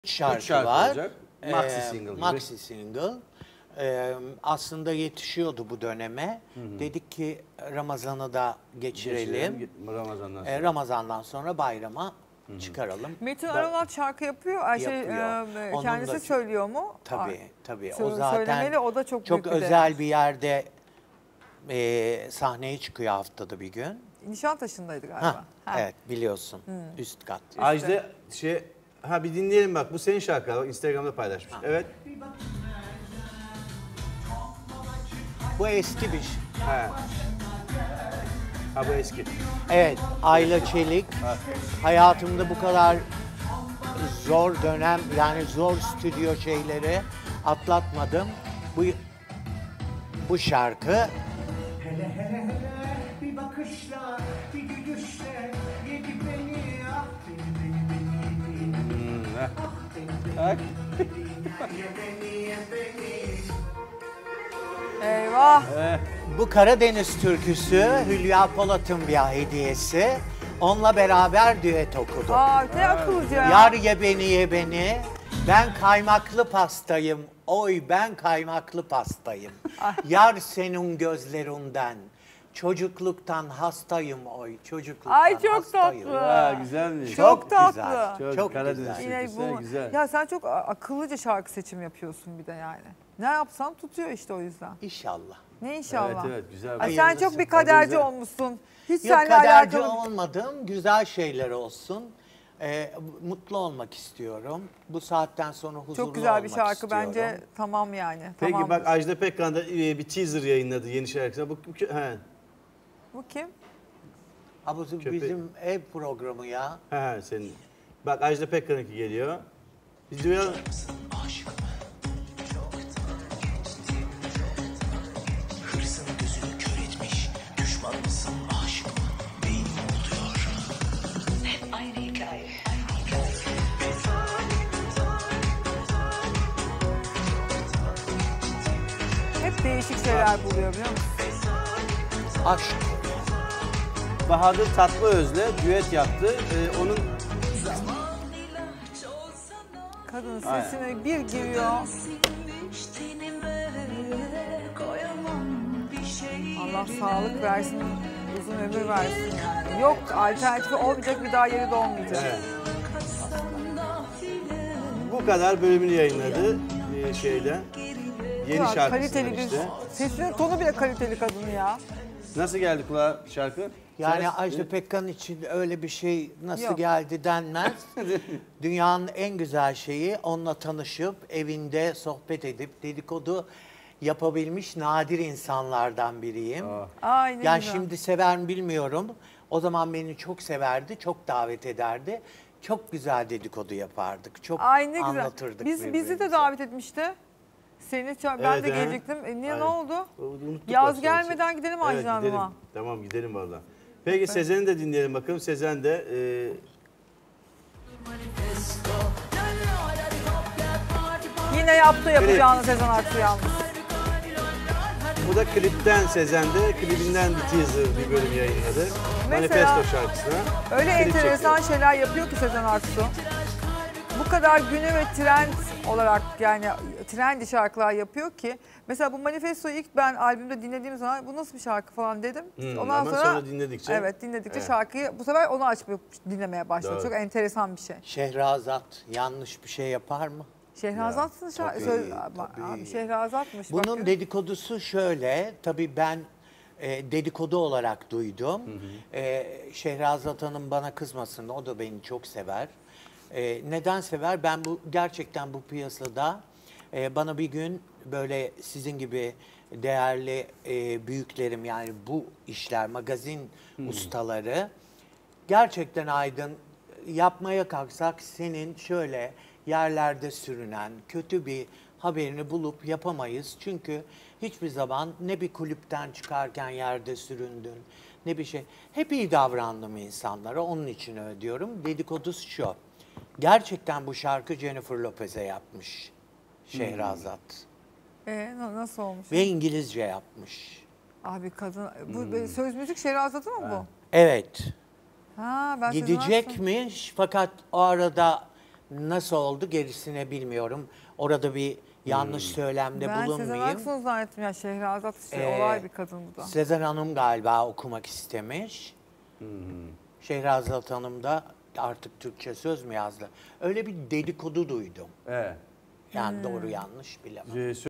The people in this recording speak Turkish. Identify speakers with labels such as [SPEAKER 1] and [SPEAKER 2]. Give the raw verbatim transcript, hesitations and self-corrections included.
[SPEAKER 1] şarkı,
[SPEAKER 2] şarkı
[SPEAKER 1] var.
[SPEAKER 2] olacak. Maxi
[SPEAKER 1] Ee,
[SPEAKER 2] single gibi.
[SPEAKER 1] Maxi single. Ee, aslında yetişiyordu bu döneme.
[SPEAKER 2] Hı hı.
[SPEAKER 1] Dedik ki Ramazan'ı da geçirelim.
[SPEAKER 2] Geçirelim, Ramazan'dan sonra.
[SPEAKER 1] Ee, Ramazan'dan sonra bayrama Hı -hı. çıkaralım.
[SPEAKER 3] Metin
[SPEAKER 1] Da,
[SPEAKER 3] Arolat şarkı yapıyor. Ay şey,
[SPEAKER 1] yapıyor.
[SPEAKER 3] e, kendisi
[SPEAKER 1] da,
[SPEAKER 3] söylüyor mu?
[SPEAKER 1] Tabii tabii.
[SPEAKER 3] Sö
[SPEAKER 1] O zaten
[SPEAKER 3] söylemeli, o da çok,
[SPEAKER 1] çok
[SPEAKER 3] büyük bir
[SPEAKER 1] özel
[SPEAKER 3] değer.
[SPEAKER 1] bir yerde e, sahneye çıkıyor haftada bir gün.
[SPEAKER 3] Nişantaşı'ndaydı galiba.
[SPEAKER 1] Ha,
[SPEAKER 3] ha.
[SPEAKER 1] Evet biliyorsun.
[SPEAKER 3] Hmm.
[SPEAKER 1] Üst kat.
[SPEAKER 2] Ajda şey ha bir dinleyelim bak bu senin şarkı bak Instagram'da paylaşmış. Ha. Evet.
[SPEAKER 1] Bu eski bir şey.
[SPEAKER 2] Ha. Ha bu eski.
[SPEAKER 1] Evet, Ayla Çelik.
[SPEAKER 2] Ha.
[SPEAKER 1] Hayatımda bu kadar zor dönem, yani zor stüdyo şeyleri atlatmadım. Bu bu şarkı
[SPEAKER 4] Hele hele hele bir bakışla, bir gülüşle yedi beni, ah beni beni beni beni
[SPEAKER 2] Hmm,
[SPEAKER 4] ah beni
[SPEAKER 2] Bak.
[SPEAKER 4] beni ye beni ye beni.
[SPEAKER 3] Eyvah.
[SPEAKER 2] Eh.
[SPEAKER 1] bu Karadeniz türküsü Hülya Polat'ın bir hediyesi. Onunla beraber düet okudum.
[SPEAKER 3] Aa, ne akıllıca ya.
[SPEAKER 1] Yar ye beni ye beni. Ben kaymaklı pastayım. Oy ben kaymaklı pastayım. Yar senin gözlerinden. Çocukluktan hastayım oy. Çocukluktan
[SPEAKER 3] Ay, çok
[SPEAKER 1] hastayım.
[SPEAKER 3] tatlı.
[SPEAKER 2] Ha, güzelmiş.
[SPEAKER 3] Çok tatlı.
[SPEAKER 1] Güzel.
[SPEAKER 2] Çok,
[SPEAKER 1] Çok
[SPEAKER 2] Karadeniz
[SPEAKER 1] güzel.
[SPEAKER 3] Yine
[SPEAKER 2] türküsü,
[SPEAKER 3] bu-
[SPEAKER 2] güzel.
[SPEAKER 3] Ya sen çok akıllıca şarkı seçimi yapıyorsun bir de yani. Ne yapsan tutuyor işte o yüzden.
[SPEAKER 1] İnşallah.
[SPEAKER 3] Ne inşallah.
[SPEAKER 2] Evet evet güzel.
[SPEAKER 3] Ay, sen
[SPEAKER 1] Hayırlısı.
[SPEAKER 3] çok bir kaderci
[SPEAKER 2] Güzel.
[SPEAKER 3] olmuşsun. Hiç
[SPEAKER 1] Yok
[SPEAKER 3] seninle
[SPEAKER 1] kaderci
[SPEAKER 3] alakalı.
[SPEAKER 1] olmadım. Güzel şeyler olsun. Ee, mutlu olmak istiyorum. Bu saatten sonra huzurlu
[SPEAKER 3] Çok güzel bir
[SPEAKER 1] olmak
[SPEAKER 3] şarkı
[SPEAKER 1] istiyorum.
[SPEAKER 3] bence. Tamam yani.
[SPEAKER 2] Peki
[SPEAKER 3] tamamdır.
[SPEAKER 2] bak Ajda Pekkan da e, bir teaser yayınladı yeni şarkısına. Bu, bu he.
[SPEAKER 3] Bu kim?
[SPEAKER 1] Ha, bu
[SPEAKER 2] Köpek.
[SPEAKER 1] bizim ev programı ya.
[SPEAKER 2] He he senin. Bak Ajda Pekkan'ınki geliyor. Biz duyalım.
[SPEAKER 5] Hırsın gözünü kör etmiş. Düşman mısın, aşık mı? Beynim oluyor. Hep aynı hikaye.
[SPEAKER 3] Hep değişik şeyler buluyor biliyor musun?
[SPEAKER 1] Aşk.
[SPEAKER 2] Bahadır Tatlıöz'le düet yaptı. Ee, onun
[SPEAKER 3] Kadının
[SPEAKER 2] Aynen.
[SPEAKER 3] sesine bir giriyor. Allah sağlık versin, uzun ömür versin yani. Yok, alternatifi olmayacak, bir daha yeri de olmayacak.
[SPEAKER 2] evet. Bu kadar bölümünü yayınladı e, şeyden. Yeni
[SPEAKER 3] Ya,
[SPEAKER 2] şarkısından
[SPEAKER 3] kaliteli bir,
[SPEAKER 2] işte.
[SPEAKER 3] sesinin tonu bile kaliteli kadın ya.
[SPEAKER 2] Nasıl geldi kulağa şarkı?
[SPEAKER 1] Yani
[SPEAKER 2] Ses-
[SPEAKER 1] Ajda Pekkan için öyle bir şey nasıl
[SPEAKER 3] Yok.
[SPEAKER 1] geldi denmez. Dünyanın en güzel şeyi onunla tanışıp evinde sohbet edip dedikodu yapabilmiş nadir insanlardan biriyim.
[SPEAKER 2] Aa.
[SPEAKER 3] Ay ne
[SPEAKER 1] Yani
[SPEAKER 3] güzel.
[SPEAKER 1] şimdi sever mi bilmiyorum. O zaman beni çok severdi, çok davet ederdi. Çok güzel dedikodu yapardık. Çok
[SPEAKER 3] Ay ne güzel.
[SPEAKER 1] anlatırdık
[SPEAKER 3] Biz, bizi
[SPEAKER 1] birbirimize.
[SPEAKER 3] de davet etmişti. Seni ça- ben
[SPEAKER 2] Evet,
[SPEAKER 3] de
[SPEAKER 2] he.
[SPEAKER 3] gelecektim. E, niye
[SPEAKER 2] Aynen.
[SPEAKER 3] ne oldu?
[SPEAKER 2] Unuttuk
[SPEAKER 3] Yaz
[SPEAKER 2] aslında.
[SPEAKER 3] gelmeden gidelim
[SPEAKER 2] Evet,
[SPEAKER 3] Ajda
[SPEAKER 2] gidelim.
[SPEAKER 3] Hanım'a.
[SPEAKER 2] Tamam gidelim valla. Peki Sezen'i de dinleyelim bakalım. Sezen de e,
[SPEAKER 3] Yine yaptı yapacağını Sezen Aksu yalnız.
[SPEAKER 2] bu da klipten Sezen'de klibinden bir teaser bir bölüm yayınladı.
[SPEAKER 3] Mesela-
[SPEAKER 2] Manifesto şarkısına.
[SPEAKER 3] Öyle
[SPEAKER 2] klip
[SPEAKER 3] enteresan
[SPEAKER 2] çekiyor.
[SPEAKER 3] şeyler yapıyor ki Sezen Aksu. Bu kadar günü ve trend olarak yani trendi şarkılar yapıyor ki. Mesela bu Manifesto'yu ilk ben albümde dinlediğim zaman bu nasıl bir şarkı falan dedim.
[SPEAKER 2] Hmm,
[SPEAKER 3] Ondan
[SPEAKER 2] ama
[SPEAKER 3] sonra,
[SPEAKER 2] sonra dinledikçe-
[SPEAKER 3] Evet dinledikçe
[SPEAKER 2] Evet.
[SPEAKER 3] şarkıyı bu sefer onu açıp dinlemeye başladım.
[SPEAKER 2] Doğru.
[SPEAKER 3] Çok enteresan bir şey.
[SPEAKER 1] Şehrazat yanlış bir şey yapar mı?
[SPEAKER 3] Şehrazat'sın şarkı.
[SPEAKER 1] tabii,
[SPEAKER 3] Söz,
[SPEAKER 1] tabii.
[SPEAKER 3] Abi Şehrazat'mış.
[SPEAKER 1] Bunun
[SPEAKER 3] bak.
[SPEAKER 1] dedikodusu şöyle, tabii ben e, dedikodu olarak duydum. E, Şehrazat Hanım bana kızmasın, o da beni çok sever. E, neden sever? Ben bu gerçekten bu piyasada e, bana bir gün böyle sizin gibi değerli e, büyüklerim, yani bu işler, magazin ustaları gerçekten Aydın, yapmaya kalksak senin şöyle yerlerde sürünen kötü bir haberini bulup yapamayız. Çünkü hiçbir zaman ne bir kulüpten çıkarken yerde süründün ne bir şey. Hep iyi davrandım insanlara, onun için öyle diyorum. Dedikodusu şu. Gerçekten bu şarkı Jennifer Lopez'e yapmış Şehrazat.
[SPEAKER 3] Ee, na- nasıl olmuş?
[SPEAKER 1] Ve İngilizce yapmış.
[SPEAKER 3] Abi kadın bu söz müzik Şehrazat'ı mı bu?
[SPEAKER 1] Evet.
[SPEAKER 3] Ha ben Sezen
[SPEAKER 1] Gidecekmiş fakat o arada Nasıl oldu gerisini bilmiyorum. Orada bir yanlış söylemde
[SPEAKER 3] Ben Sezen
[SPEAKER 1] bulunmayayım.
[SPEAKER 3] Aksu'nu zannettim ya. Şehrazat işte
[SPEAKER 1] Ee,
[SPEAKER 3] olay bir kadın bu da.
[SPEAKER 1] Sezen Hanım galiba okumak istemiş. Şehrazat Hanım da artık Türkçe söz mü yazdı? Öyle bir dedikodu duydum.
[SPEAKER 2] Evet.
[SPEAKER 1] Yani doğru yanlış bilemem.
[SPEAKER 2] Ee,